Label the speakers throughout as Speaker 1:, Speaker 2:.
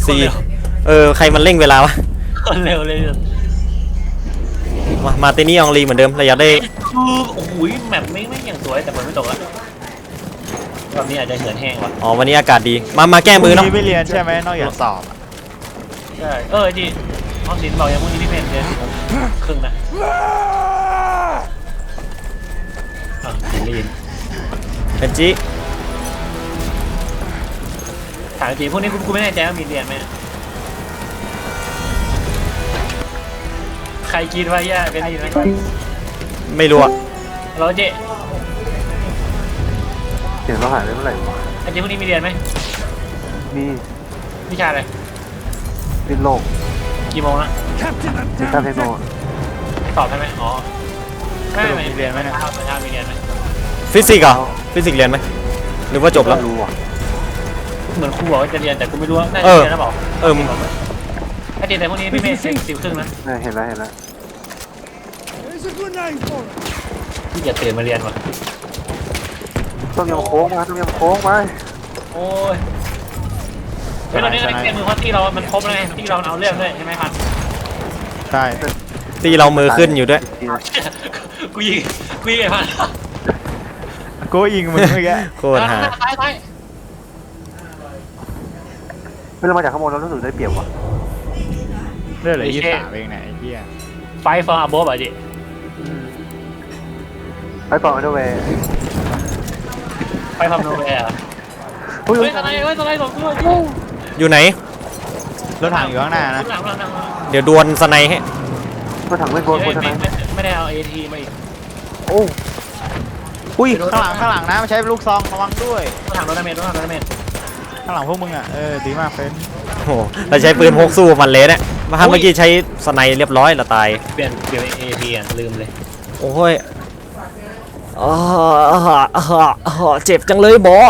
Speaker 1: ซีใครมันเร่งเวลาวะ
Speaker 2: คนเร็วเลย
Speaker 1: มาเตนี่อองลีเหมือนเดิมเราอยากได้
Speaker 2: โอ้โหแมปไม่อย่างสวยแต่มันไม่ตกแล้วรอบนี้อาจจะเหินแห้งว่ะ
Speaker 1: อ๋อวันนี้อากาศดีมาแก้มือเนาะ
Speaker 3: พรุ่งนี้ไม่เรียนใช่ไหมนอกจากสอบอะ
Speaker 2: ใช่ดิห้องศิลป์บอกอย่างพวกนี้พี่เพนเดือนครึ่งนะศิลิน
Speaker 1: เป็นจิ
Speaker 2: ถามจริงพวกนี้กูไม่แน่ใจว่ามีเรียนไหมใครกินวะย่าเป็นดีไหม
Speaker 1: ไม่รู้อะ
Speaker 2: เราเจ๊
Speaker 4: เสียงเราหายไปเมื่อไหร่วะ
Speaker 2: ไอ้เจ๊พวกนี้มีเรียนไหม
Speaker 4: มี
Speaker 2: วิชาอะไร
Speaker 4: ดิ้นโลก
Speaker 2: กี่โมงละ
Speaker 4: ดิจิตอลเทคโนโลยี
Speaker 2: ตอบได้ไหมอ๋อไม่มีเรียนไหมนะมีเรียนไหม
Speaker 1: ฟิสิกส์เหรอฟิสิกส์เรียนไหมหรือว่าจบแล้ว
Speaker 4: ไม่รู้อ่ะ
Speaker 2: เหมือนครูบอกว่าจะเรียนแต่กูไม่รู้ว่าน่าจะเรียนแล้วบอกไอ้เด็กแต่พวกนี้พี่เมย์10 ครึ่งนะ
Speaker 4: เห็นแล้ว
Speaker 2: ที่จะตื่นมาเรียนว่ะ
Speaker 4: ต้องยำโค้งมา
Speaker 2: โอ้ยเฮ้ยตอนนี้ในเกมมือเพราะที่เรามันครบแล้วไงที่เราเอาเรื่องด้วยใช่ไหมพัน
Speaker 3: ใช่
Speaker 1: ตีเรามือขึ้นอยู่ด้วย
Speaker 2: กูยิงไอ้พัน
Speaker 3: กูยิงมึงเมื่อกี้
Speaker 1: โคตรหา
Speaker 2: ตาย
Speaker 4: เมื่อเรามาจากข้างบนเรารู้สึกได้เปรียบว่ะ
Speaker 3: เรื่องอะไร23เองไหนไอ้เหี้ย
Speaker 2: ไฟฟอร์อัพบอ่ะดิ
Speaker 4: ไปต่ออันเดอร์เวย์
Speaker 2: ไฟฟอร์โนเวร์เฮ้ยอะไรสองตัว
Speaker 1: อยู่ไหน
Speaker 3: รถถังอยู่ข้างหน้านะ
Speaker 2: หลัง
Speaker 1: เดี๋ยวดวลสไนให้
Speaker 4: ก็ถังเล่นบอลคนนั้น
Speaker 2: ไม่ได้เอาเอทีมาอีก
Speaker 4: โอ้
Speaker 3: อุ้ยข้างหลังนะไม่ใช่ลูกซองระวังด้วย
Speaker 2: ถังโดนเมจ
Speaker 3: ข้างหลังพวกมึงอ่ะดีมากเฟ้น
Speaker 1: โอ้โหเราใช้ปืนพกสู้มันเลยเนี่ยเมื่อกี้ใช้สไนเรียบร้อยเราตาย
Speaker 2: เปลี่ยนเอทีอ่ะลืมเลย
Speaker 1: โอ้ยเจ็บจังเลยบอ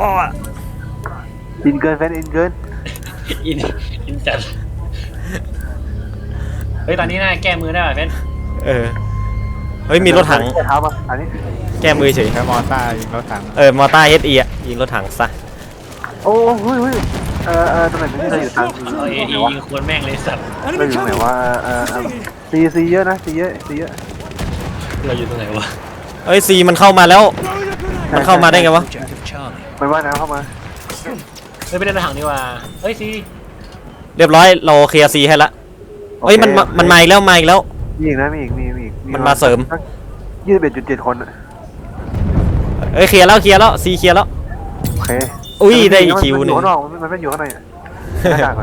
Speaker 4: อินเกินแฟนอินเกิน
Speaker 2: อินจัดเฮ้ยตอนนี้น่าแก้มือได้ป่ะเฟน
Speaker 1: เฮ้ยมีรถถัง
Speaker 4: เท้ามาอันนี้
Speaker 1: แก้มือเฉย
Speaker 3: แค่มอต้ายิงรถถัง
Speaker 1: มอต้าเฮดอียิงรถถังซะ
Speaker 4: โอ้เฮ้ยตำแหน่งนี้เราอยู่ทาง
Speaker 2: เอาเอทียิงควรแม่งเลยสัตว์
Speaker 4: เราอยู่ไหนวะซีเยอะนะซีเยอะ
Speaker 2: เราอยู่ตรงไหนวะ
Speaker 1: เอ้ยซีมันเข้ามาแล้วมันเข้ามาได้ไงวะ
Speaker 4: มันว่ายน้ำเข้ามา
Speaker 2: เฮ้ยไปเล่นรถถังดีกว่าเฮ้ยซี
Speaker 1: เรียบร้อยเราเคลียร์ซีให้ละเฮ้ยมันมาอีกแล้วมีอีกมันมาเสริม
Speaker 4: 21.7 คนอ่ะ
Speaker 1: เอ้ยเคลียร์แล้วซีเคลียร์แล้ว
Speaker 4: โอเค
Speaker 1: อุ้ยได้อีกคิวหนึ่ง
Speaker 4: มันไม่อยู่ข้างในอ่ะก่อน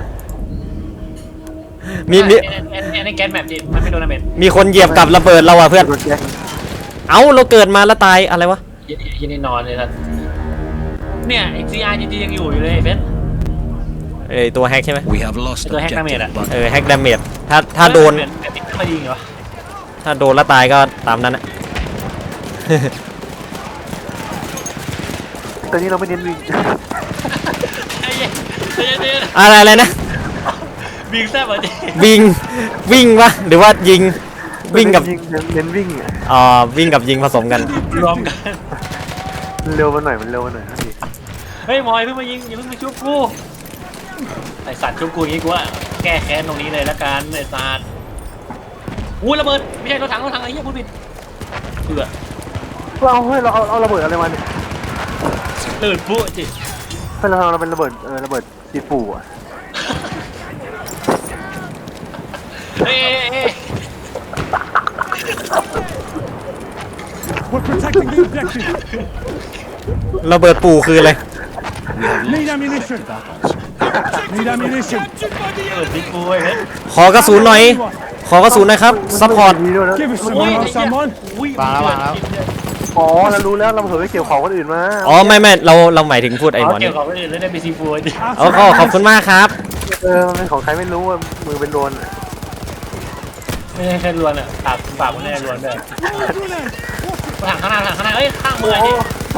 Speaker 1: มี
Speaker 2: ในแกนแมปดิมันไม่โดนดาเมจ
Speaker 1: มีคนเหยียบกับระเบิดเราอ่ะเพื่อน
Speaker 4: โดนแจ็ค
Speaker 1: เอ้าเราเกิดมาแล้วตายอะไรวะ
Speaker 2: ยินดีนอนเลยครับเนี่ยไอซีอาร์จียังอยู่เลยเฟน
Speaker 1: ตัวแฮกใช่ไหม
Speaker 5: We have lost
Speaker 2: ตัวแฮกดาเมจ
Speaker 5: objective
Speaker 2: อ่ะ
Speaker 1: แฮกดาเมจถ้าโดน
Speaker 2: ไม่ยิงเหรอ
Speaker 1: ถ้าโดนแล้วตายก็ตามนั้นนะ
Speaker 4: ตอนนี้เราไม่เน้นวิ่ง
Speaker 1: อะไรนะ
Speaker 2: วิ่งแซ่บอ่ะดิ
Speaker 1: วิ่งวะหรือว่ายิงวิ่งกับ
Speaker 4: เน้นวิ่ง
Speaker 1: วิ่งกับยิงผสมกัน
Speaker 2: รวมกัน
Speaker 4: เร็วมาหน่อยมันเร็วมาหน่อย
Speaker 2: เฮ้ยมอยเพิ่งมายิงอย่าเพิ่งมาชุบกูไอสัตว์ชุบกูอย่างงี้กูว่าแก้แค้นตรงนี้เลยละกันไอสัตว์อู้ระเบิดไม่ใช่รถถังไอ้เหี้ยพูดผิดเบื่อ
Speaker 4: เราเอาระเบิดอะไรมาเนี่ย
Speaker 2: ตื่นปุ๊จิ
Speaker 4: เราเป็นระเบิดจีปูอ่ะ
Speaker 2: เฮ้ย
Speaker 6: We're protecting the objective.
Speaker 1: ระเบิดปู่คืออะไร
Speaker 6: Need ammunition. Need ammunition.
Speaker 2: เปิดดิกูไอ้เฮ้ย
Speaker 1: ขอกระสุนหน่อยครับซัพพอร์ต
Speaker 6: Give us some
Speaker 2: โอ้ย
Speaker 6: more, someone.
Speaker 2: อุ้ย
Speaker 4: อ๋อเรารู้แล้วเราเผลอไปเกี่ยวของคนอื่นมา
Speaker 1: อ๋อไม่เราหมายถึงพูดไอ้หมอ
Speaker 2: เกี่
Speaker 1: นี่
Speaker 2: ยวกับคนอื่นแล้วได้ไปซีฟูดิ
Speaker 1: ขอบคุณมากครับ
Speaker 4: มันเป็นของใครไม่รู้ว่ามือเป็นโดน
Speaker 2: ไม่ใช่แค่รวนอ่ะปากมันไม่ได้รวนด้วยถังข้างหน้าเอ้ยข้างมือนี่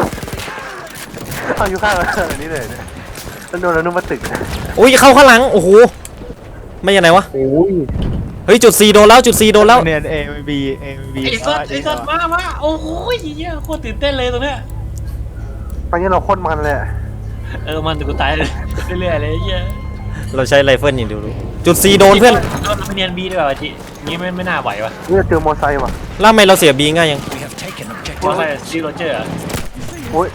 Speaker 4: เอาอยู่ข้างอันนี้เลยโดนแล้วนุ่มมาตึก
Speaker 1: อุ้ยเข้าข้างหลังโอ้โหไม่ยังไงวะ
Speaker 4: โอ้ย
Speaker 1: เฮ้ยจุด C โดนแล้ว
Speaker 3: เนียน A B
Speaker 2: ไอ้สัตว์มาโอ้โหเหี้ยโคตรตื่นเต้นเลยตรงเนี้ย
Speaker 4: ตอนนี้เราโคตรมันเลย
Speaker 2: มันกูตายเลยเรื่อยๆเลยเหี้ย
Speaker 1: เราใช้ไรเฟิลอย่างเดียวรู้จุด C โดนเพื่อน
Speaker 2: เราไปเนียนบีดีกว่าวะจินี่ไม่น่าไหววะ
Speaker 4: เฮ้ยเจอมอไซค์ว่ะ
Speaker 1: แล้วทำไมเราเสีย B ง่ายยัง
Speaker 2: เพราะอะไรซีโรเจอร์
Speaker 4: โอ้ย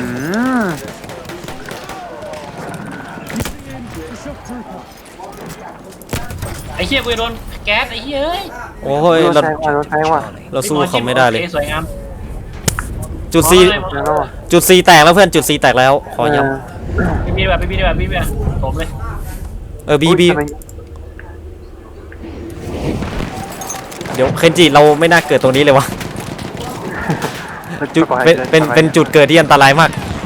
Speaker 6: The shock trooper.
Speaker 2: ไอ้เหี้ยกูโดนแก๊สไอ้เหี้ยเอ้ย
Speaker 1: โอ้ย
Speaker 4: โดน
Speaker 1: เรา
Speaker 4: แทงว่ะโดนแทงว่ะ
Speaker 1: เราสู้เขาไม่ได้เลย
Speaker 2: โอคสวยงาม
Speaker 1: จุด C
Speaker 4: แล้วว่ะ
Speaker 1: จุด C แตกแล้วเพื่อนจุด C แตกแล้วขอย้
Speaker 2: บีแบบบีแบบบีแบบผมเลย
Speaker 1: ำB เดี๋ยวเคนจิเราไม่น่าเกิดตรงนี้เลยวะจุดเป็นจุดเกิดที่อันตรายมาก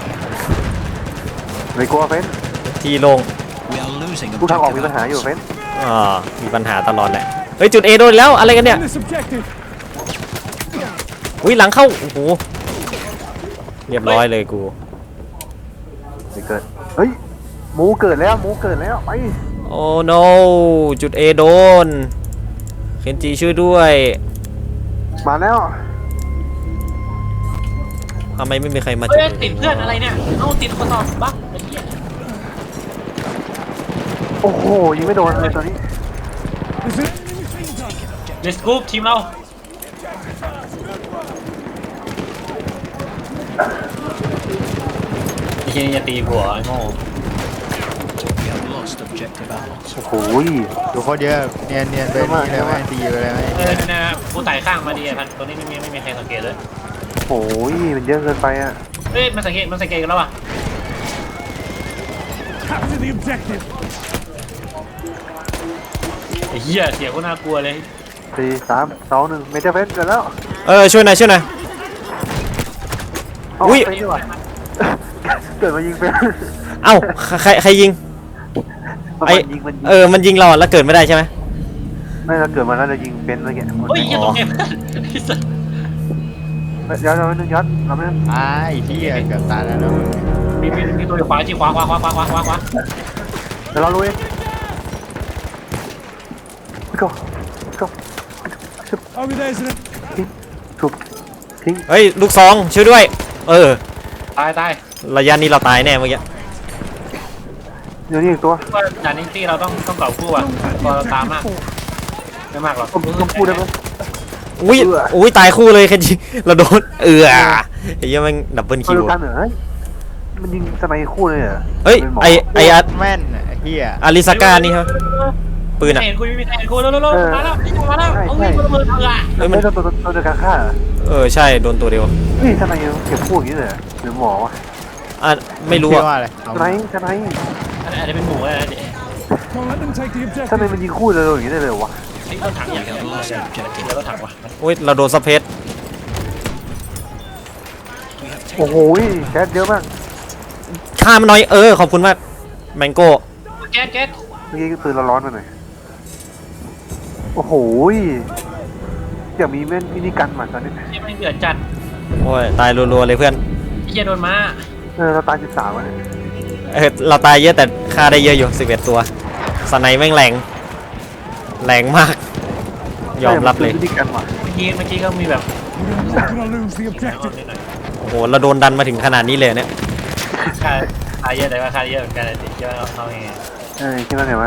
Speaker 4: ไม่กลัวเฟ้น
Speaker 1: ที่โล่ง
Speaker 4: ทุกทางออกมีปัญหาอยู่เฟ้น
Speaker 1: มีปัญหาตลอดแหละเฮ้ยจุด A โดนแล้วอะไรกันเนี่ย
Speaker 6: This objective.
Speaker 1: อุ้ยหลังเข้าโอ้โหเรียบร้อยเลยกู
Speaker 4: ไม่เกิดเฮ้ยหมูเกิดแล้วหมูเกิดแล้วไป
Speaker 1: โอ้ no จุด A โดนเคนจิช่วยด้วย
Speaker 4: มาแล้ว
Speaker 1: ทำไมไม่มีใครมา
Speaker 2: เฮ้
Speaker 1: จุด
Speaker 2: ยติดเพื่อนอะไรเนี่ยเอาติดคนต่อบั๊กไอ้เหี้ย
Speaker 4: โอ้โหยิงไม่โดนเลยตอนนี้
Speaker 6: There's an enemy machine gun.
Speaker 2: เลสกู๊ปทีมเราไอ้เหี้ยนี่จะตีหัวไอ้โง่
Speaker 4: โอ้โห
Speaker 3: ดูโคตรเยอะเนียนไปนี่เลยไหมตีไปเลยไหม
Speaker 2: นะกูไต่ข้างมาดีไอ้พันตัวนี้ไม่มีใครสังเกตเลย
Speaker 4: โอ้ยมันเยอะเกินไปอ่ะ
Speaker 2: เฮ้ยมันสังเกตกันแล้วอ่ะ
Speaker 6: Capture the objective.
Speaker 2: ไอ้เหี้ยเสียงก็น่ากลัวเลย
Speaker 4: 4 3 2 1เมเจอร์เฟ้นเกิดแล้ว
Speaker 1: ช่วยหน่อย
Speaker 4: เอา
Speaker 1: อุ๊ย
Speaker 4: เฟ้นดีกว่าเกิดมายิงเฟ้น
Speaker 1: เอ้าใครยิง
Speaker 4: มัน
Speaker 1: ไอ
Speaker 4: ยิงมันยิง
Speaker 1: มันยิงเราอะแล้วเกิดไม่ได้ใช่ไหม
Speaker 4: ไม่เราเกิดมาแล้วเรายิงเฟ้นเมื่อกี้
Speaker 2: เฮ้ยเหี้ยตรงเนี้ย
Speaker 4: ย้อนเราไม่ย้อนเราไม่
Speaker 3: ไอ้ที่เกือบตายแล้วนะมึง
Speaker 2: มีตัวอยู่ขวาจีขวา
Speaker 4: เดี๋ยวเราลุยก็
Speaker 6: Over there's an
Speaker 4: ถูกทิ้ง
Speaker 1: เฮ้ยลูกซองช่วยด้วย
Speaker 2: ตาย
Speaker 1: ระยะนี้เราตายแน่เมื่อกี้
Speaker 4: เดี๋ยวนี้อีกตัว
Speaker 2: ว่าด่านนี้ที่เราต้องเก่าคู่อ่ะตัวเราตามมากไม่มากหรอก
Speaker 4: ต้องพูดได้ไหม
Speaker 1: อุ้ยตายคู่เลยเคนจิเราโดนไอ้เหี้ยแม่งดับเบิล
Speaker 4: มา
Speaker 1: คิ
Speaker 4: ดู
Speaker 1: ว
Speaker 4: กันเหรอมันยิงสไนคู่เลยเหรอ
Speaker 1: เฮ้ยไออัด
Speaker 3: แม่นไอ้เหี้ย
Speaker 1: อาริสก้านี่ครับปืนอะ
Speaker 2: เห็นกูไม่มีใครเห็นกูแล้วมาแล้วเอาวิ่งระเบิดอ่ะ
Speaker 1: เฮ้ย
Speaker 4: ไม่
Speaker 1: มัน
Speaker 4: ตัวเดียวกันฆ่า
Speaker 1: ใช่โดนตัวเดียว
Speaker 4: นี่สไนเก็บคู่อย่างนี้เลยหรือหมอวะ
Speaker 1: ไม่รู้
Speaker 3: ชื่
Speaker 1: อะ
Speaker 3: ว่าอะไร
Speaker 4: สไน
Speaker 2: อาจจะเป็นหมูอะไรเด็ก
Speaker 6: Don't let them take the
Speaker 4: สไน
Speaker 6: objective.
Speaker 4: มันยิงคู่เลยอย่างนี้ได้เลยวะ
Speaker 2: ไอ้รถถังอย่างเงี้ยแล้วรถถังว่ะ
Speaker 1: อุ้ยเราโดนสเปซ
Speaker 4: โอ้โหแก๊สเยอะมาก
Speaker 1: ฆ่ามันหน่อยขอบคุณมากแมงโก้
Speaker 2: แก๊ส
Speaker 4: เมื่อกี้ปืนเราร้อนไปหน่อยโอ้โหอยากมีแม่นมินิกันมาตอนนี้
Speaker 2: ที่ไม่เดือดจัด
Speaker 1: โอ้ยตายรัวๆเลยเพื่อน
Speaker 2: ไอ้เหี้ยโดนม้า
Speaker 4: เราตาย13วันเนี่ย
Speaker 1: เราตายเยอะแต่ฆ่าได้เยอะอยู่11ตัวสไนแม่งแรงมาก ยอมรับเลย
Speaker 4: มินิกันว่ะ
Speaker 2: เมื่อกี้ก็มีแบบ
Speaker 6: We're not gonna lose the objective.
Speaker 2: นิดหน่อย
Speaker 1: โอ้โหเราโดนดันมาถึงขนาดนี้เลยเนี่ย
Speaker 2: ค่าเยอะแต่ว่าค่าเยอะเหมือนกันเลยเยอะเอาไง
Speaker 4: คิดว่าไงวะ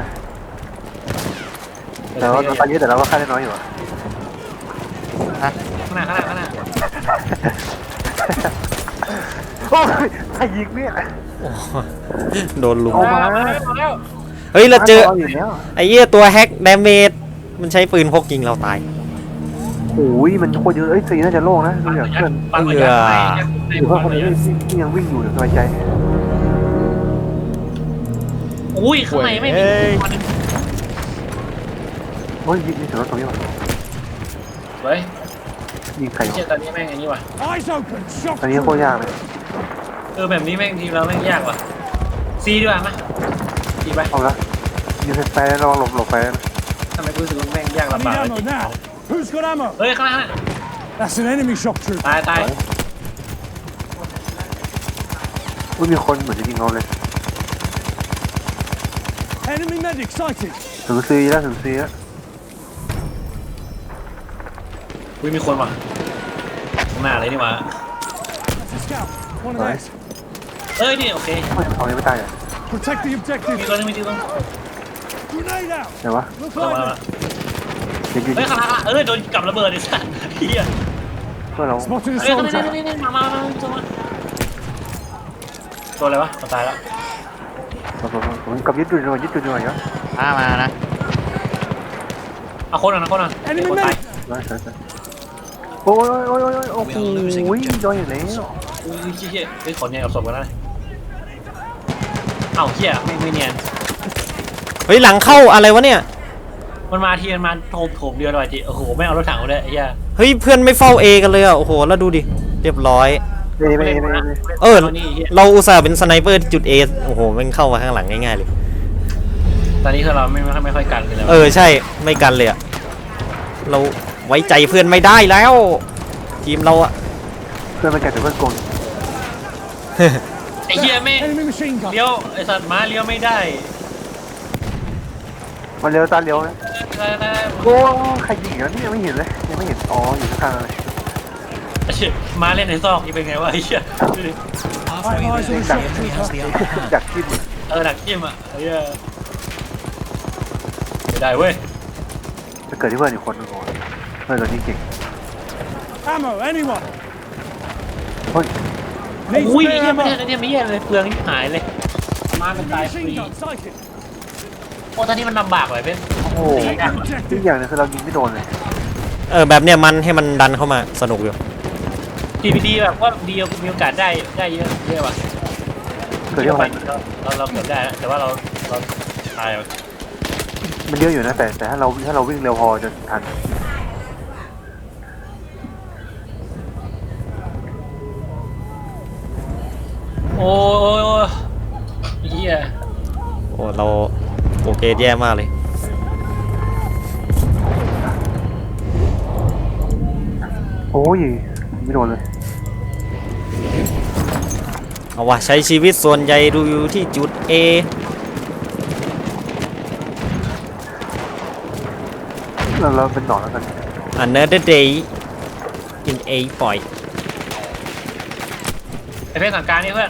Speaker 4: แต่ว่าเราตายเยอะแต่เราก็ฆ่าได้น้อยอยู่อ่ะ
Speaker 2: ข้างหน้า
Speaker 4: โอ้ยใครยิงเนี่ย
Speaker 1: โดนลุม
Speaker 4: เอามา
Speaker 2: แล้ว
Speaker 1: เฮ้ยเราเจอ
Speaker 4: อยู่แล้ว
Speaker 1: ไอ้เหี้ยตัวแฮกดาเมจมันใช้ปืนพกยิงเราตาย
Speaker 4: โอ้ยมันโคตรเยอะสีน่าจะโล่งนะดูจากเพื่อน
Speaker 2: ปังหัวยักษ์ไป
Speaker 4: หรือว่าคนนี้ที่ยังวิ่งอยู่สบายใจ
Speaker 2: อุ้ยข้างในไม่มี
Speaker 4: โอ้ยยิงถึงรถตรงนี้ว่ะ
Speaker 2: เฮ้ย
Speaker 4: ยิงใครวะ
Speaker 2: เชื่อตอนนี้แม่งอันนี้ว่ะ
Speaker 6: Eyes open. Shock
Speaker 4: อันนี้โคตรยากเลย
Speaker 2: แบบนี้แม่งทีมเราแม่งยากว่ะซีดีกว่ามั้ยดีไป
Speaker 4: เอาละยิงไฟแล้วระวังหลบไฟนะ
Speaker 2: ทำไมกูรู้สึกว่าแม่งยาก
Speaker 6: I
Speaker 2: ลำบาก
Speaker 6: need ammo now. Who's got ammo?
Speaker 2: เฮ้ยข้างหน้า
Speaker 6: That's an enemy shock trooper.
Speaker 2: ตาย
Speaker 4: อุ้ยมีคนเหมือนจะยิงเราเลย
Speaker 6: Enemy medic sighted.
Speaker 4: ถึงซีแล้วถึงซีแล้ว
Speaker 2: อุ้ยมีคนว่ะข้างหน้าเลยนี่ว่ะ
Speaker 6: That's a scout. One of these.
Speaker 2: เอ้ยนี่โอเค
Speaker 4: เอาไม่ตายอ่ะ
Speaker 6: Protect the
Speaker 2: มี
Speaker 6: objective.
Speaker 2: ตัวนึง
Speaker 6: Grenade out.
Speaker 4: ไหนวะ
Speaker 6: Look
Speaker 2: มา
Speaker 6: like
Speaker 2: มา
Speaker 4: เดี๋ยว
Speaker 2: เฮ้ยข้างหลังโดนกับระเบิดไอ้สัสเฮีย
Speaker 4: เพื่อนเรา
Speaker 6: spotted a
Speaker 2: เฮ้ย
Speaker 6: soldier.
Speaker 2: นี่มาตัวอะไรวะตายแล้ว
Speaker 4: ผมกับยึดจุดหน่อยยึดจุดหน่อยเนาะ
Speaker 3: มานะ
Speaker 2: เอาคนอ่ะคนอ่ะคนตาย
Speaker 4: ได้ใช่โอ้ยโอ้ยโอ้ยโอ้โหโดนอย่างแล้ว
Speaker 2: อุ้ยเฮียเฮ้ยขอเนี่ยกับศพกันนะเอ้าเฮียไม่เนียน
Speaker 1: เฮ้ยหลังเข้าอะไรวะเนี่ย
Speaker 2: มันมาทีมันมาโถมเดียวเลยจีโอ้โหไม่เอารถถังมาด้วยไอ้เหี้ย
Speaker 1: เฮ้ยเพื่อนไม่เฝ้า A กันเลยอ่ะโอ้โหแล้วดูดิเรียบร้อย
Speaker 4: ไม่
Speaker 1: เออเราอุตส่าห์เป็นสไนเปอร์ที่จุด A โอ้โหแม่งเข้ามาข้างหลังง่ายๆเลย
Speaker 2: ตอนนี้คือเราไม่ค่อยกันเลย
Speaker 1: เออใช่ไม่กันเลยอะเราไว้ใจเพื่อนไม่ได้แล้ว ทีมเราอะ
Speaker 4: เพื่อนมันแก่แต่เพื่อนโกง
Speaker 2: ไอ้เหี้ยไม่
Speaker 6: Enemy machine gun.
Speaker 2: เลี้ยวไอ้สัตว์ม้าเลี้ยวไม่ได้
Speaker 4: มันเลี้ยวตาเลี้ยวนะโอ้ใครยิงแล้วนี่ยังไม่เห็นเลยยังไม่เห็นอ๋ออยู่ข้างๆเลย
Speaker 2: ไอ้เหี้ยม้าเล่นในซอกนี่เป็นไงวะไอ้เหี้ย
Speaker 6: I have eyes on the shock trooper.
Speaker 4: จากที่มัน
Speaker 2: หนักจิ้มอ่ะไอ้เหี้ยไม่ได้เว้ย
Speaker 4: จะเกิดที่เพื่อนอีกคนนึงก่อนเพื่อนตัวนี้เก่ง
Speaker 6: Ammo, anyone?
Speaker 4: เฮ้ย
Speaker 6: Need
Speaker 2: อุ้ยไอ้
Speaker 6: spare
Speaker 2: เหี้ยไม่
Speaker 6: ammo.
Speaker 2: ได้เนี่ยไม่เหี้ยเลยเปลืองที่หายเลยม้ามันตายฟรี
Speaker 6: Machine gun sighted.
Speaker 2: โอ้ตอนนี้มันลำบากเลยเป็น
Speaker 4: โอ้โหอีกอย่างนึงคือเรายิงไม่โดนเลย
Speaker 1: เออแบบเนี้ยมันให้มันดันเข้ามาสนุกอยู่
Speaker 2: TPD แบบว่าดีมีโอกาสได้เยอะว่ะ
Speaker 4: เกิดที่อะไร
Speaker 2: เราเกือบได้แล้วแต่ว่าเราตาย
Speaker 4: มันเยอะอยู่นะแต่ถ้าเราวิ่งเร็วพอจะทัน
Speaker 2: โอ้ยเฮีย
Speaker 1: โอ้เราโอเคแย่มากเลย
Speaker 4: โอ้ยไม่โดนเลย
Speaker 1: เอาวะใช้ชีวิตส่วนใหญ่ดูอยู่ที่จุด A
Speaker 4: เราเป็นหนอนแล้วกัน
Speaker 1: Another day in A point
Speaker 2: ไอเพื่อนสั่งการนี่เพื่อน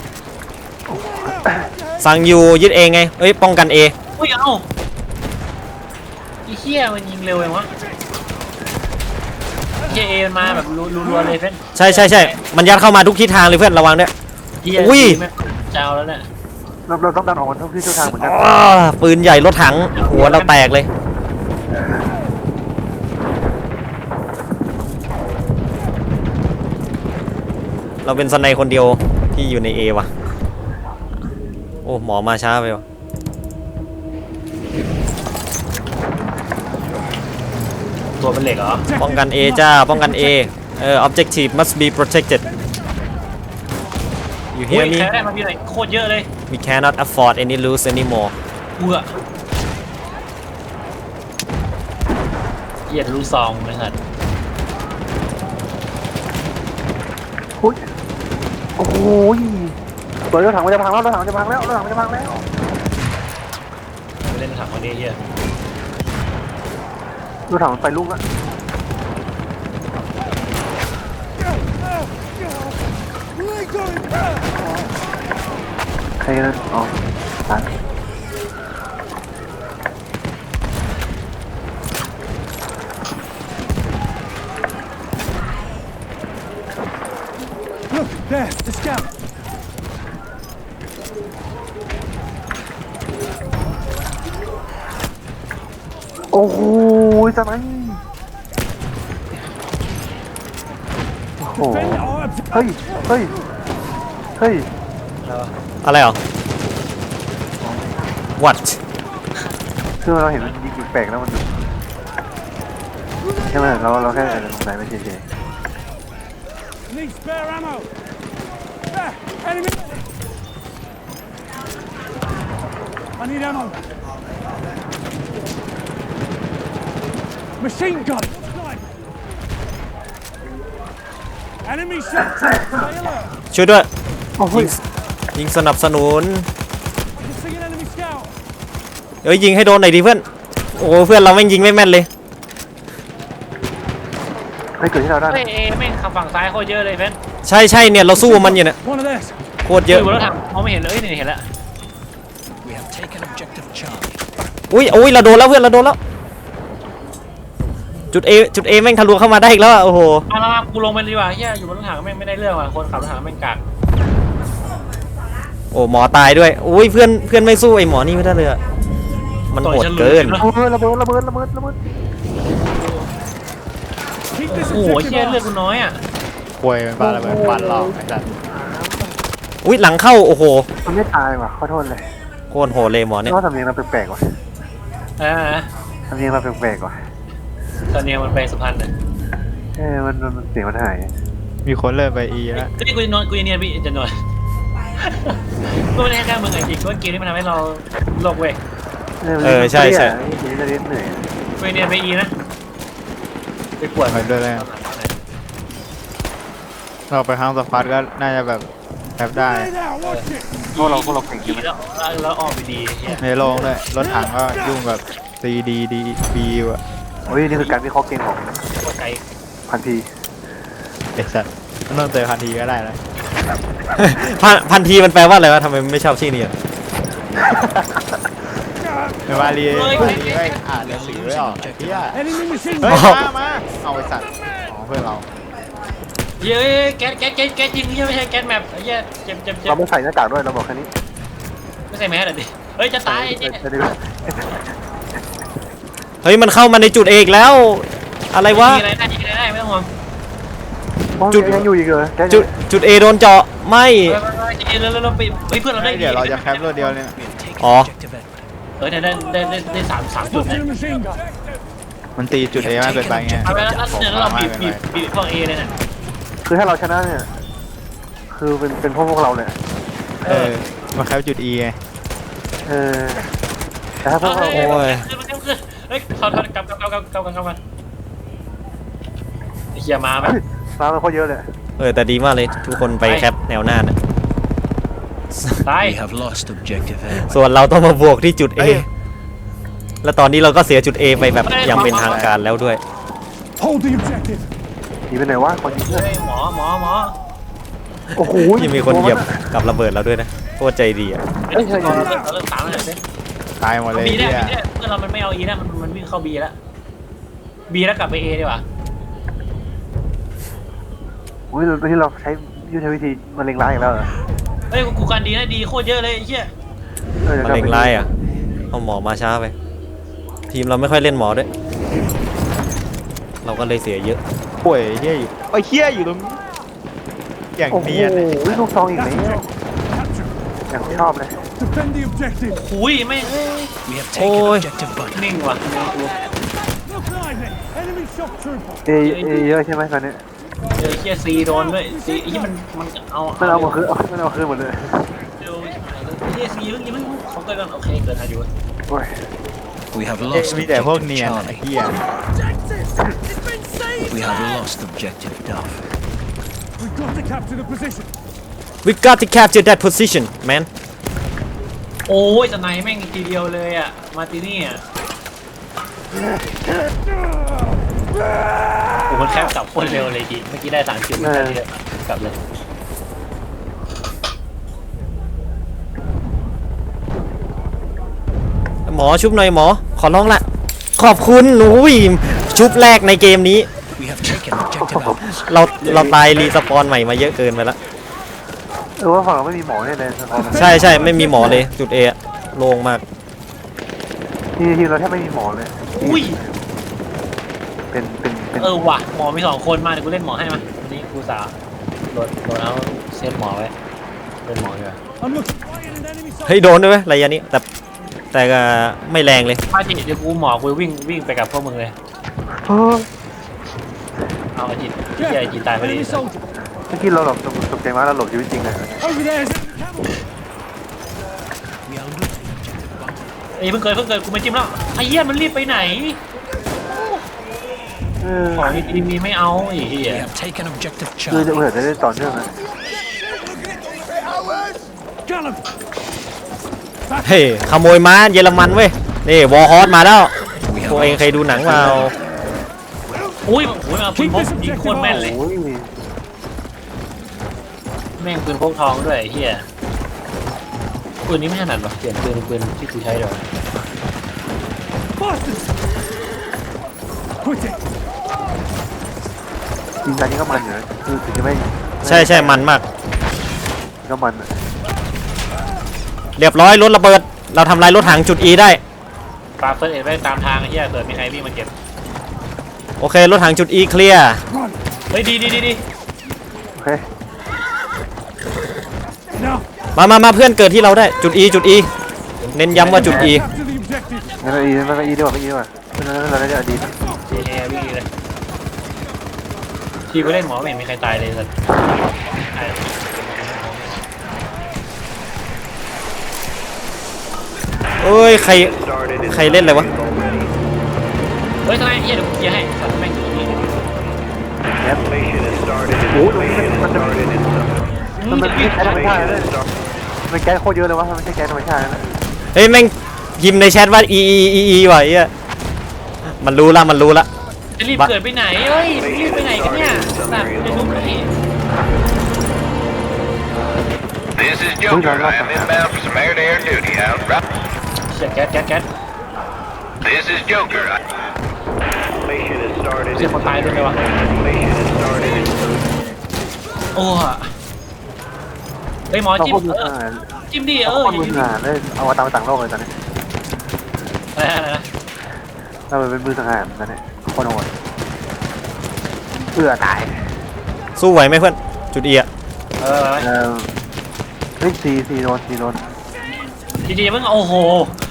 Speaker 1: สั่งอยู่ยึด A ไงเอ้ยป้องกัน A
Speaker 2: อุ้ยเอ้าไอ้เฮียมันยิงเร็วเองวะเฮียเอมันมาแบบรัวๆเลยเพื่อน
Speaker 1: ใช่ใช่ใช่มันยัดเข้ามาทุกทิศทางเลยเพื่อนระวังด้วย
Speaker 2: เฮีย
Speaker 1: อุ้ย
Speaker 2: เจ้าแล้วเนี่ย
Speaker 4: เราต้องดันออกมาทุกที่ทุกทางเหมือนกัน
Speaker 1: อ้าปืนใหญ่รถถังหัวเราแตกเลย เราเป็นสไนคนเดียวที่อยู่ใน A ว่ะ โอ้หมอมาช้าไปว่ะ
Speaker 2: ตัวเป็นเหล็กเหรอ
Speaker 1: ป้องกัน A จ้าป้องกัน A objective must be protected you
Speaker 2: อุ้ย
Speaker 1: hear me
Speaker 2: ใช้ได้มาพี่ไหนโคตรเยอะเลย
Speaker 1: we cannot afford any lose anymore
Speaker 2: เบื่อเฮียรู้ซองเลยครับ
Speaker 4: โอ้โหเปิดรถถังมันจะพังแล้วรถถังมันจะพังแล้วรถถังมันจะพังแล้ว
Speaker 2: ไปเล่นถังวันนี้เฮีย
Speaker 4: รถถังมันไปลุ่งแล้ว
Speaker 6: Leg on him.
Speaker 4: ใครนะอ๋อตาย
Speaker 6: Look, there, the scout.
Speaker 4: โอ้โหจะไหนโอ้โห
Speaker 6: Defend our objective.
Speaker 4: เฮ้ยเฮ้ยเฮ้ย
Speaker 1: อะไรเหรอ what
Speaker 4: คือเราเห็นมันยิงแปลกแล้วมันใช่ไหมเราแค่สงสัยไม่เฉย
Speaker 6: Need spare ammo. There, enemy. I need ammo. Machine gun. Enemy shot. Stay alert.
Speaker 1: ช่วยด้วย
Speaker 4: โอ้โห
Speaker 1: ยิงสนับสนุน
Speaker 6: I can see an enemy scout.
Speaker 1: เอ้ยยิงให้โดนหน่อยดิเพื่อน โอ้เพื่อนเราแม่งยิงไม่แม่นเลย
Speaker 4: ไม่เกิดที่เราได้
Speaker 2: เฮ้ยเอแม่งขับฝั่งซ้ายโคตรเยอะเลยเพื่อน
Speaker 1: ใช่ใช่เนี่ยเราสู้มันอยู่เนี่ย
Speaker 6: One of theirs.
Speaker 1: โคตรเยอะ
Speaker 2: อยู่บนรถถังมองไม่เห็นเลยนี่เห็นแล้ว
Speaker 1: อุ้ยเราโดนแล้วเพื่อนเราโดนแล้วจุด A แม่งทะลุเข้ามาได้อีกแล้วอะโอ้โห
Speaker 2: มากูลงไปดีกว่าเฮียอยู่บนรถถังแม่งไม่ได้เรื่องว่ะคนขับรถถังแม่งกาก
Speaker 1: โอ้หมอตายด้วยอุ้ยเพื่อนไม่สู้ไอ้หมอนี่ไม่ได้เลยอะมันโหดเกิน
Speaker 4: โอ้ยระเบิด
Speaker 6: Keep this
Speaker 2: โอ้โหเฮีย
Speaker 6: objective
Speaker 2: เลือด
Speaker 6: up.
Speaker 2: กูน้อยอ่ะ
Speaker 3: ควยเป็นบ้าอะไรแบบฟันหลอกไอ้สัส
Speaker 1: อุ้ยหลังเข้าโอ้โห
Speaker 4: มันไม่ตายว่ะขอโทษเลย
Speaker 1: โคตรโหดเลยหมอเนี่ย
Speaker 4: เพราะว่าสำเนียงเราแปลกๆว่ะ
Speaker 2: อ่า
Speaker 4: สำเนียงเราแปลกๆว่ะ
Speaker 2: ตอนนี้มันไปสุพรรณเลย
Speaker 4: มันเสียงมันหาย
Speaker 3: มีคนเริ่มไปอีแล้ว
Speaker 2: นี่กูจะนอนกูจะเนียนพี่จะนอนกูไม่ได้แค่มึงไอ้จริงกูว่าเกมนี้มันทำให้เราโลกเว้ย
Speaker 1: ใช่
Speaker 4: นี่จะเล่นเหนื่อย
Speaker 2: กูจะเนียนไปอีนะไปปวด
Speaker 3: ไปด้วยเลยเราไปห้างสควอตก็น่าจะแบบแทบได้
Speaker 6: Stay there, watch it.
Speaker 4: พวกเราเก่งจริ
Speaker 2: อี
Speaker 4: งไหม
Speaker 2: แล้วออกไปดีเฮีย
Speaker 3: ในโรงด้วยรถถังก็ยุ่งกับ CDDB อ่ะ
Speaker 4: โอ้ยนี่คือการวิเคราะห์เกมของ
Speaker 2: โคตรไกล
Speaker 4: พันที
Speaker 3: ไอ้สัสมันต้องเจอคันทีก็ได้แล้ว
Speaker 1: พันทีมันแปลว่าอะไรวะทำไมไม่ชอบชื่อนี้อะ
Speaker 3: ไม่ว่ารีไม่อ่านหนังสือไม่ออกไอ้เหี้ย
Speaker 6: Enemy machine
Speaker 3: เฮ้ย
Speaker 6: gun.
Speaker 3: มาเอาไอ้สัตว์อ๋อเพื่อนเรา
Speaker 2: เย้แก๊สจริงเฮียไม่ใช่แก๊สแมปเฮียเจ็บ
Speaker 4: เราไม่ใส่หน้ากากด้วยเราบอกแค่นี้
Speaker 2: ไม่ใส่แมสดิเฮ้ยจะตายเนี่ย
Speaker 4: จะดีกว่า
Speaker 1: เฮ้ยมันเข้ามาในจุดเอกแล้ว อะไรวะ
Speaker 2: ยิงอะไรได้ไม่ต้องห่วง
Speaker 1: จุด
Speaker 4: ยังอยู่อีกเหรอ
Speaker 1: จุด A โดนเจาะไม่
Speaker 2: ไปเราไปเพื่อนเราได้
Speaker 3: เดี๋ยวเราจะแคปรถเดียวเนี่ย
Speaker 1: อ๋อ
Speaker 2: ได้3 จุด
Speaker 6: Look
Speaker 2: นะ
Speaker 6: at the machine gun.
Speaker 3: มันตีจุด A มากเกินไปไง
Speaker 2: เอาไปแล้วเนี่ยเราบีบพวกเอเลยเนี่ย
Speaker 4: คือถ้าเราชนะเนี่ย คือเป็นพวกเราเลย
Speaker 3: มาแคปจุด E ไง
Speaker 4: แต่ถ้าพวกเรา
Speaker 2: เฮ้ยเขากลับมาเฮียมาไหม
Speaker 4: ฟ้ามันโคตรเยอะเลย
Speaker 1: แต่ดีมากเลยทุกคนไปแคปแนวหน้านะ
Speaker 2: ตาย
Speaker 5: We have lost objective A.
Speaker 1: ส่วนเราต้องมาบวกที่จุด A และตอนนี้เราก็เสียจุด A ไปแบบอย่างเป็นทางการแล้วด้วย
Speaker 6: Hold the objective.
Speaker 4: หนีไปไหนวะคนยิงเพื่อน
Speaker 2: เฮ้ยหมอ
Speaker 4: โอ้โห
Speaker 1: ยังมีคนเหยียบกับระเบิดเราด้วยนะโคตรใจดีอ่ะ
Speaker 2: เริ่มตามแล้วเนี่ย
Speaker 3: ตายหมดเลย
Speaker 2: บีได้
Speaker 3: เนี่ย
Speaker 2: เพื่อนเรามันไม่เอาอีแล้วมันวิ่งเข้าบีแล้วบีแล้วกลับไปเอดีกว่า
Speaker 4: อุ้ยที่เราใช้ยุทธวิธีมันเล็งร้ายอีกแล้วเหรอ
Speaker 2: เฮ้ยกูการดีนะดีโคตรเยอะเลยเฮีย
Speaker 1: มะเร็งร้ายอ่ะเอาหมอมาช้าไป ทีมเราไม่ค่อยเล่นหมอด้วย เราก็เลยเสียเยอะ
Speaker 3: ป่วยเฮียอยู่ไอ้เฮียอยู่ตรงนี้อย่าง
Speaker 4: โอ้โห
Speaker 3: เนียน
Speaker 4: ลูกซองอีก
Speaker 6: That's
Speaker 4: แล้ว
Speaker 6: objective. Capture.
Speaker 4: อย่างชอบเลย
Speaker 6: Defend the objective.
Speaker 2: หุยไม่
Speaker 5: We have taken
Speaker 1: Ôi.
Speaker 5: objective Button.
Speaker 2: นิ่งว่ะ
Speaker 6: Look lively. Enemy shock trooper.
Speaker 4: เยอะใช่ไหมตอนนี้
Speaker 2: เจอเฮียซีโดนด้วยซีที่มันเอา
Speaker 4: มันเอามาคืนมันเอาคืนหมดเลย
Speaker 2: เร็วเฮียซียังไม่เขาเกิดกันโอเคเกิดทันอยู่
Speaker 4: โอ้ย
Speaker 5: We have lost
Speaker 3: มีแต่พวก
Speaker 5: objective
Speaker 3: เนียนไอ้
Speaker 5: Charlie.
Speaker 3: เฮีย
Speaker 5: We have lost objective Duff.
Speaker 6: We've got to capture the position.
Speaker 1: we got to capture that position man
Speaker 2: โอ้ยสไนแม่งทีเดียวเลยอ่ะมาตินี่อ่ะโอ้มันแคบกลับโคตรเร็วเลยทีเมื่อกี้ได้3 คิวกลับเลย
Speaker 1: หมอชุบหน่อยหมอขอร้องละขอบคุณอุ้ยชุบแรกในเกมนี้
Speaker 5: We have taken objective Apples.
Speaker 1: เราตายรีสปอนใหม่มาเยอะเกินไปแล้ว
Speaker 4: ว่าฝั่งเราไม่มีหมอเนี่ยเลย
Speaker 1: ใช่ไม่มีหมอเลยจุด A อะโล่งมาก
Speaker 4: ทีเราแทบไม่มีหมอเลย
Speaker 2: อุ้ย
Speaker 4: เป็น
Speaker 2: ว่ะหมอมี2 คนมาเดี๋ยวกูเล่นหมอให้มาวันนี้กูสาโดนเอาเซตหมอไว้เล่นหมอดีกว่า
Speaker 6: I'm looking. Fire an enemy soldier.
Speaker 1: เฮ้ยโดนด้วยไหมระยะนี้แต่ก็ไม่แรงเลย
Speaker 2: มาจิเดี๋ยวกูหมอกูวิ่งไปกับพวกมึงเลย เอาไอจิตที่ไอจิตตายพอดี
Speaker 6: Enemy soldier.
Speaker 4: เมื่อกี้เราหลบตกใจมากเราหลบชีวิตจริงเลย
Speaker 6: Over there is camel.
Speaker 5: We are losing objective Button.
Speaker 2: ไอ้เพิ่งเกิดกูไม่จิ้มแล้วไอ้เหี้ยมันรีบไปไหนของดีๆมีไม่เอาไอ้เหี้ย
Speaker 5: We have taken objective
Speaker 4: คือจะ
Speaker 5: Charlie.
Speaker 4: เผื่อจะได้ต่อเนื่องนะ
Speaker 6: Gun him.
Speaker 1: เฮ้ยขโมยม้าเยอรมันเว้ยนี่วอร์ฮอสมาแล้ว
Speaker 5: We
Speaker 1: พวกเอง
Speaker 5: have
Speaker 1: เคยดูหนังเปล่า
Speaker 2: อุ้ยมาปืนพกยิงโคตรแม่นเลย
Speaker 4: โอ้ย
Speaker 2: แม่งปืนพกทองด้วยไอ้เหี้ยปืนนี้ไม่ถนัดหรอเปลี่ยนปืนที่กูใช้เดี๋ยว
Speaker 6: bastards! Quit it!
Speaker 4: จริงๆนี้ก็มันอยู่นะคือถึงจะไม่
Speaker 1: ใช่มันมาก
Speaker 4: ก็มันอะ
Speaker 1: เรียบร้อยรถระเบิด เราทำลายรถถังจุด E ได้
Speaker 2: ปาเฟิร์สเอ็ดไว้ตามทางไอ้เหี้ยเกิดมีใครวิ่งมาเก็บ
Speaker 1: โอเครถถังจุด E เคลียร์
Speaker 2: เฮ้ยดี
Speaker 4: โอเค
Speaker 6: Now,
Speaker 1: มาเพื่อนเกิดที่เราได้จุด E จุด E เน้นย้ำว่าจุด E
Speaker 6: capture the objective!
Speaker 4: งั้นเราอีดีกว่าไม่ดีกว่าเพราะฉะนั้นเราได้อดีต
Speaker 2: เฮ้ยวิ่งเลยทีไปเล่นหมอไม่เห็นมีใครตายเลยสัตว์
Speaker 1: เอ้ยใครเล่นอะไรวะ
Speaker 2: เฮ้ยทำไมเหี้ยเดี๋ยวกูเคลียร์ให้สัตว์แม่งอยู่นี่
Speaker 4: โอ้โหมันไม่ใช่แก๊สธรรมชาติเลยมันแก๊สโคตรเยอะเลยวะมันไม่ใช่แก๊สธรรมชาตินะ
Speaker 1: เฮ้ยแม่งพิมพ์ในแชทว่า E ว่ะไอ้เหี้ยมันรู้ละ
Speaker 2: จะรีบเกิดไปไหนเฮ้ยรีบไปไหนกันเนี่ยสัตว์จะทุบเลย
Speaker 7: This is Joker. I am inbound for some air-to-air duty. Out. Right.
Speaker 2: เสียแก๊ส
Speaker 7: This is Joker. Mission has started.
Speaker 2: เสียคนตายด้วยเลยวะ
Speaker 7: Mission has started.
Speaker 2: โอ้เฮ้ยหมอ
Speaker 4: เรา
Speaker 2: จิ้ม
Speaker 4: โคตรมือหา
Speaker 2: จิ้มดิ
Speaker 4: เราโคตรมือหาเลยเอามาต่างโลกเลยตอนนี้
Speaker 2: อะไรนะ
Speaker 4: เราเป็นมือสังหารตอนนี้โคตรโหดเอื้อตาย
Speaker 1: สู้ไหวไหมเพื่อนจุด E อะ
Speaker 2: เออ
Speaker 4: เฮ้ยซีโดน
Speaker 2: ดีๆมึงโอ้โห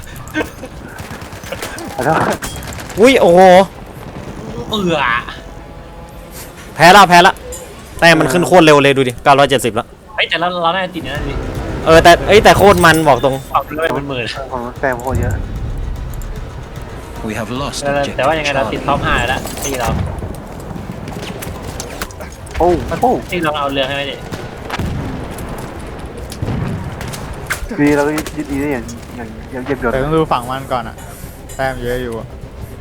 Speaker 4: แล้ว
Speaker 1: อุ้ยโอ้โห แพ้ละแต่มันขึ้นโคตรเร็วเลยดูดิ970แล้ว
Speaker 2: เฮ้ยแต่เราได้ติดนะดิ
Speaker 1: แต่โคตรมันบอกตรง
Speaker 2: ปรับเลยเป็นหมื่น
Speaker 4: ของแซมโคตรเยอะ
Speaker 5: We have lost
Speaker 2: แต่ว่ายังไง
Speaker 5: objective
Speaker 2: เราติด
Speaker 5: Charlie.
Speaker 2: ท็อป5แล้วที่เรา
Speaker 4: โอ้
Speaker 2: ที่เราเอาเรือให้ไหมดิ
Speaker 4: ดีเราก็ยึดดีได้อย่างเย็บยน
Speaker 3: แต่ต้องดูฝั่งมันก่อนอ่ะแต้มเยอะอยู่อะ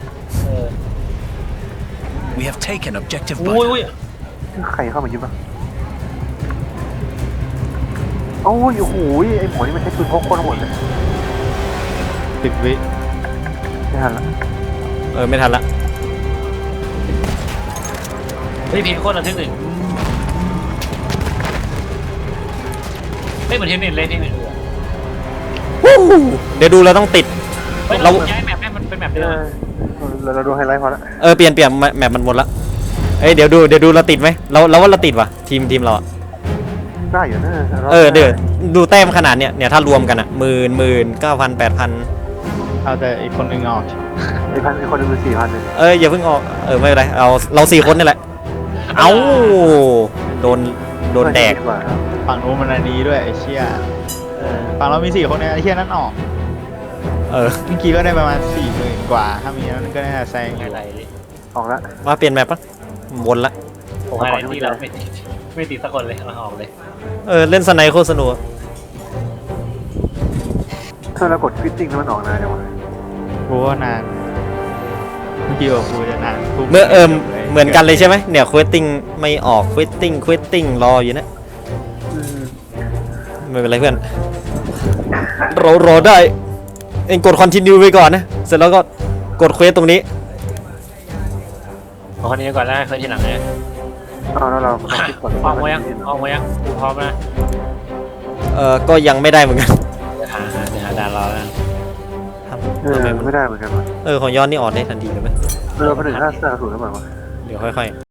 Speaker 5: We have taken objective
Speaker 2: อุ้ย
Speaker 5: Butter.
Speaker 4: ใครเข้ามายึดบ้างโอ้ยโอ้โหไอหมอนี่มันใช้ปืนพกโคตรโหดเลย
Speaker 3: 10 วิ
Speaker 4: ไม่ทันละ
Speaker 1: ไม่ทันละ
Speaker 2: เฮ้ยพีโคตรระทึกหนึ่งไม่เหมือนเทนนิสเลยเทนนิส
Speaker 1: เดี๋ยวดูเราต้องติด
Speaker 2: เราย้ายแมปให้มันเป็นแมปเดิม
Speaker 4: เราดูไฮไลท์พอละ
Speaker 1: เปลี่ยนแมปมันหมดละเดี๋ยวดูเราติดไหมเราว่าเราติดว่ะทีมเราอะ
Speaker 4: ได้อยู่นะ
Speaker 1: เดี๋ยวดูแต้มขนาดเนี่ยถ้ารวมกันอะ19,000 8,000
Speaker 3: เอาแต่อีกคนหนึ่งออก
Speaker 4: ไอคนนึงเป็น4,000เลย
Speaker 1: อย่าเพิ่งออกไม่เป็นไรเรา4 คนนี่แหละเอาโดนแดก
Speaker 3: ฝั่งนู้นมันอันนี้ด้วยไอ้เชี่ยฝั่งเรามี4 คนเนี่ยไอ้เชี่ยนั้นออกเมื่อกี้ก็ได้ประมาณ40,000 กว่าถ้ามีนั้นก็น่าจะแซงอยู่
Speaker 2: อะไรดิ
Speaker 4: ออกละ
Speaker 1: ว่าเปลี่ยนแมปปะวนละ
Speaker 2: ผมอะไรที่เราไม่ติดสักคนเลยเราออกเลย
Speaker 1: เล่นสไนโคตรสนุก
Speaker 4: ถ้าเรากดฟิตติ้งแล้วมันออกนานจังวะ
Speaker 3: กูว่านานเมื่อกี้ว่ากูจะนานกู
Speaker 1: เหมือนกันเลยใช่ไหมเนี่ยควสติ้งไม่ออกควสติ้งรออยู่นะไม่เป็นไรเพื่อนรอได้เองกดคอนติเนียไปก่อนนะเสร็จแล้วก็กดเควสตรงนี้
Speaker 2: เอาคนนี้ก่อนแล้วเคยทีหลังเลย
Speaker 4: เอาแล้วเราฟิตก่อน
Speaker 2: ออกมายังกูพร้อมนะ
Speaker 1: ก็ยังไม่ได้เหมือนกัน
Speaker 2: เดี๋ยวหาด่านรอแล้ว
Speaker 4: ไม่ได้เหมือนกันวะ
Speaker 1: ของย้อนนี่ออกได้ทันทีเลยไหม
Speaker 4: เราไปถึง5 40แล้วมั้ง
Speaker 1: เดี๋ยวค่อยๆ